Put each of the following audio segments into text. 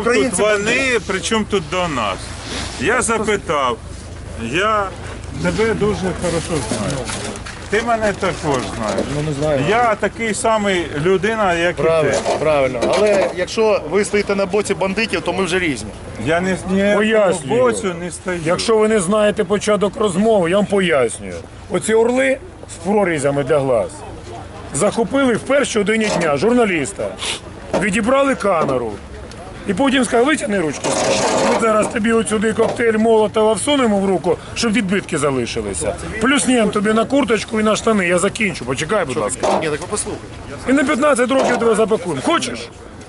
тут вони, при чому тут до нас? Я запитав, я тебе дуже хорошо знаю. Ти мене також знаєш. Ну, не знаю. Я такий самий людина, як і ти. Правильно. Але якщо ви стоїте на боці бандитів, то ми вже різні. Я не Пояснюю. боцю не стою. Якщо ви не знаєте початок розмови, я вам пояснюю. Оці орли з прорізями для глаз захопили в першій годині дня журналіста, відібрали камеру. І потім сказали, витягни ручки. Ми зараз тобі отсюди коктейль Молотова всунемо в руку, щоб відбитки залишилися. Плюснем тобі на курточку і на штани. Я закінчу. Почекай, будь ласка. Ні, так ви послухайте. І на 15 років тебе запакуємо. Хочеш?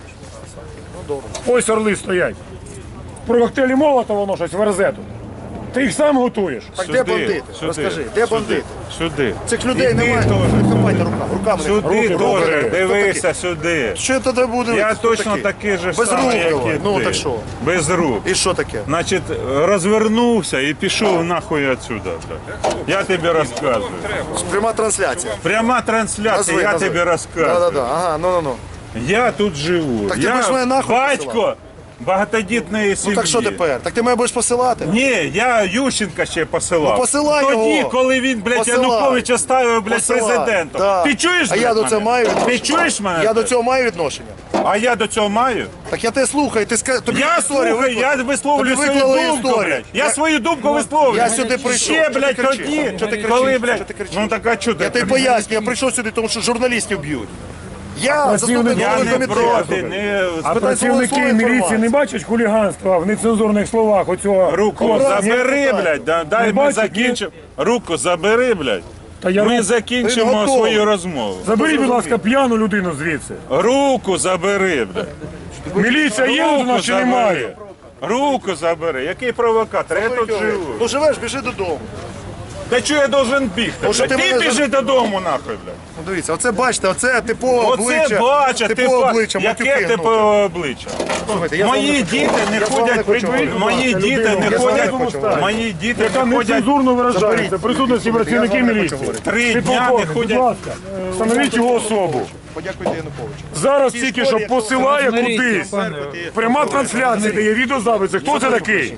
Ось орли стоять. Про коктейлі Молотова воно щось верзе тут. Ти їх сам готуєш. Так де бандити? Розкажи, де бандити? Сюди. Цих людей Іди немає. теж. Хапайте руками. Сюди Руки. теж, дивися сюди. Що тоді буде? Я Хто точно такий же Без самий, рук як давай. і Ну ти. так що? Без рук. І що таке? Значить, розвернувся і пішов нахуй отсюда. Я тобі розказую. Пряма трансляція. Пряма трансляція, я тобі розказую. Да-да-да. Ага, ну. Я тут живу. Так ти Я будеш мене нахуй батько багатодітної сім'ї. Ну так що тепер? Так ти мене будеш посилати? Ні, я Ющенка ще посилав. Ну, посилай Тоді, його. коли він, блядь, Посилай. Януковича ставив, блядь, Посилай. президентом. Да. Ти чуєш, А блядь, я до цього мене? маю відношення. Ти чуєш мене? Я до цього маю відношення. А я до цього маю? Так я тебе слухаю, ти тобі Я історію слухаю, я висловлюю Тобі свою виклали думку, історію. блядь. Я свою думку висловлюю. Я сюди прийшов. Ще, Що ти блядь, кричиш? тоді, Що ти кричиш? коли, Що блядь, ти кричиш? ну так а чого ти? Я тобі поясню, я прийшов сюди, тому що журналістів б'ють. Я заступник Я голови не проти, комітету. не... А Спитай працівники свого міліції інформацію. не бачать хуліганства в нецензурних словах оцього Руку хлопця? забери, блядь, дай ми бачиш, закінчимо. Руку забери, блядь. Та я Ми руку- закінчимо Ти готовий. свою розмову. Заберіть, будь ласка, п'яну людину звідси. Руку забери, блядь. Міліція є у нас чи немає? Руку забери. Який провокатор? Я тут живу. Ну живеш, біжи додому. Та чого я должен бігти? Ну, що блядь? ти Ти мене біжи додому, нахуй, блядь. Ну дивіться, оце бачите, оце типове обличчя. Оце бача, типове обличчя, яке матюки типове гнути. обличчя? Слухайте, я з вами Мої не діти не Я з вами не ходять, хочу говорити. мої діти не Я з вами не ходять, хочу говорити. мої діти Яка не ходять нецензурно виражається в присутності працівників Я з вами не міліції. хочу 3 Ти дня не полковник, будь ходять. ласка, встановіть його особу. Подякуйте Януковичу. Зараз тільки що посилає кудись. Пряма трансляція, де є відеозаписи. Хто це такий?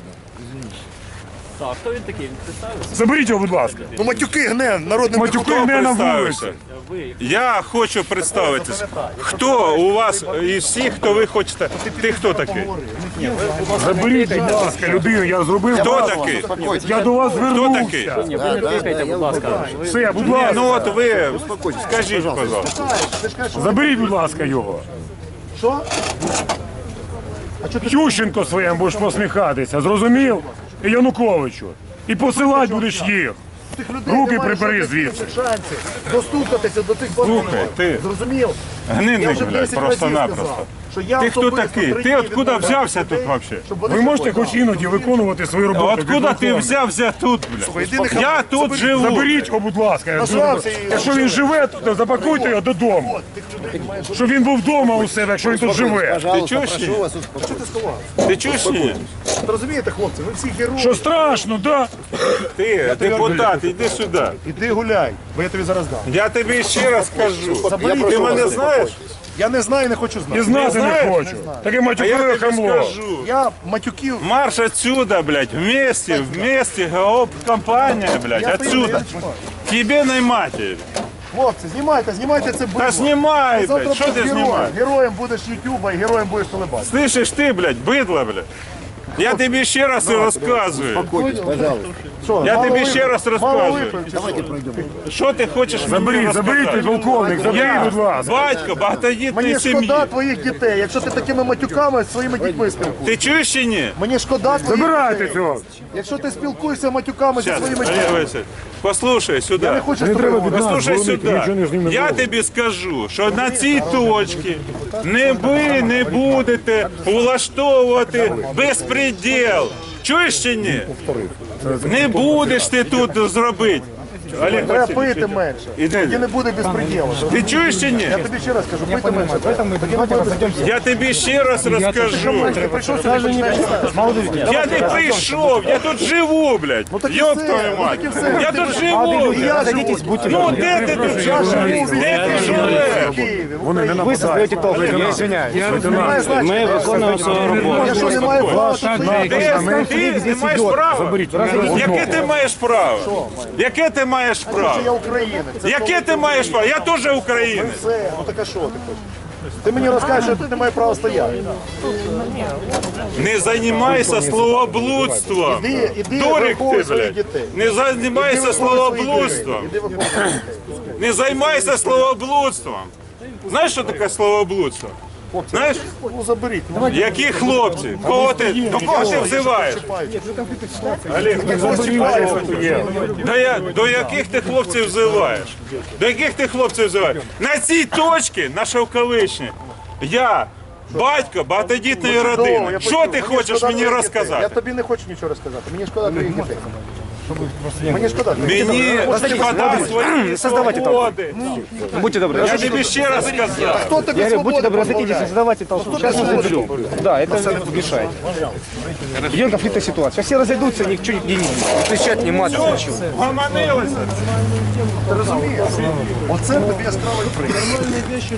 Так, хто він такий? Він представився? Заберіть його, будь ласка. Ну матюки гне народним Матюки депутатом. гне на Представився. вулиці. Я хочу представитися. Хто у вас із всіх, хто ви хочете? Ти хто такий? Заберіть, будь ласка, людину, я зробив. Хто вас. такий? Я до вас Хто такий? звернувся. Ні, ви не тикайте, будь ласка. Все, будь Ні, ласка. ну от ви скажіть, пожалуйста. Заберіть, будь ласка, його. Що? Ющенко своєму будеш посміхатися, зрозумів? І Януковичу. І посилати будеш їх. Тих людей Руки немає прибери жодних звідси. шансів достукатися до цих Слухай, бандитів. ти. Зрозумів? Гнилий, Я вже блядь, 10 разів просто-напросто. сказав, що я Ти хто особисто такий? 3 Ти дні откуда відмовляюся взявся від тут людей, вообще? щоб вони Ви можете заходили. хоч іноді виконувати свою роботу. Откуда ти підполковник? взявся тут, Слухай, блядь? іди нехай- Я тут заберіть- живу. Заберіть його, будь ласка. Нажрався і- Якщо він живе, то запакуйте його додому. Щоб він був вдома у себе, якщо він тут живе. Ти чуєш? чи ні? Що ти сховав? Ти чуєш? чи ні? Ви розумієте, хлопці, ви всі герої. Що страшно, да? Ти, депутат, іди сюди. Іди гуляй, бо я тобі зараз дам. Я тобі ще раз кажу. Заберіть Ти його. мене знаєш? Я не знаю і не хочу І знати. знати не знаєш? хочу. Таке А я матюкове тобі хамло. скажу. Я матюків. Марш отсюда, блядь, вместе, компания, блядь, Я отсюда. знімаю. Тебе наймати. Хлопці, знімайте це бидло. Та знімай, Завтра блядь, що ти будеш героєм. знімаєш? Героєм будеш Ютуба і героєм будеш телебачення. Слышиш ти, блядь, бидло, блядь. Я тобі ще раз розказую. Що, Я мало тобі випив? ще раз Мало розказую. випив, чи що? Що ти хочеш мені Заберіть, розказати? полковник, заберіть, Я будь ласка. батько багатодітної Мені сім'ї. шкода твоїх дітей, якщо ти такими матюками зі своїми дітьми спілкуєшся. Ти чуєш чи ні? Мені шкода твоїх Забирайте дітей. цього. Якщо ти спілкуєшся матюками зі Щас, своїми Олег дітьми. Васильович, послухай сюди. Я не хочу з Не тобою треба говорити. від нас Послухай дзвонити, нічого не з ним сюди. не Я було. тобі скажу, що на цій точці ви не будете влаштовувати безпреділ. Чуєш чи ні? Не будеш ти тут зробити. Олег Треба Васильович, пити менше. Іди. Тоді не буде безпреділу. Ти чуєш чи ні? Я тобі ще раз кажу, пити менше. Тоді не буде безпреділу. Я тобі ще раз розкажу. Ти прийшов сюди, Я не прийшов, я тут живу, блядь. так і Ёб все, твою ну мать. так і все. Я тут живу, Я блядь. живу. Ну де ти тут живеш? Де ти живеш? Вони не нападають. Я извиняюсь. Ми виконуємо свою роботу. Я що, не маю права тут Ти не маєш права? Яке ти маєш право? Яке ти маєш право? Я українець. Це Яке ти маєш право? Я теж українець. все. Ну так а що ти хочеш? Ти мені розкажеш, що ти не маєш права стояти. Не займайся словоблудством. Іди, Дурик ти, виховуй своїх блядь. дітей. Не займайся словоблудством. Іди виховуй своїх дітей. Не займайся словоблудством. Знаєш, що таке словоблудство? Знаєш? Ну заберіть. Ну, Які хлопці? До кого ти взиваєш? Олег, до яких ти хлопців взиваєш? До яких ти хлопців взиваєш? На цій точці, на Шовковичній, я батько багатодітної родини. я Що почув. ти Мені хочеш шкода мені твоїх дітей. Я розказати? тобі не хочу нічого розказати. Мені шкода твоїх дітей. Мені шкода. Мені шкода свої свободи. Будьте добры, Я тобі ще раз сказав. Хто тобі будьте свободу добры, разойдитесь, позбавляє? создавайте толпу. Сейчас мы заберем. Да, это мешает. Идем конфликтная ситуация. Сейчас все разойдутся, ничего не кричать, не мат. Гомонилися. Ти розумієш? Оце тобі яскравий приклад.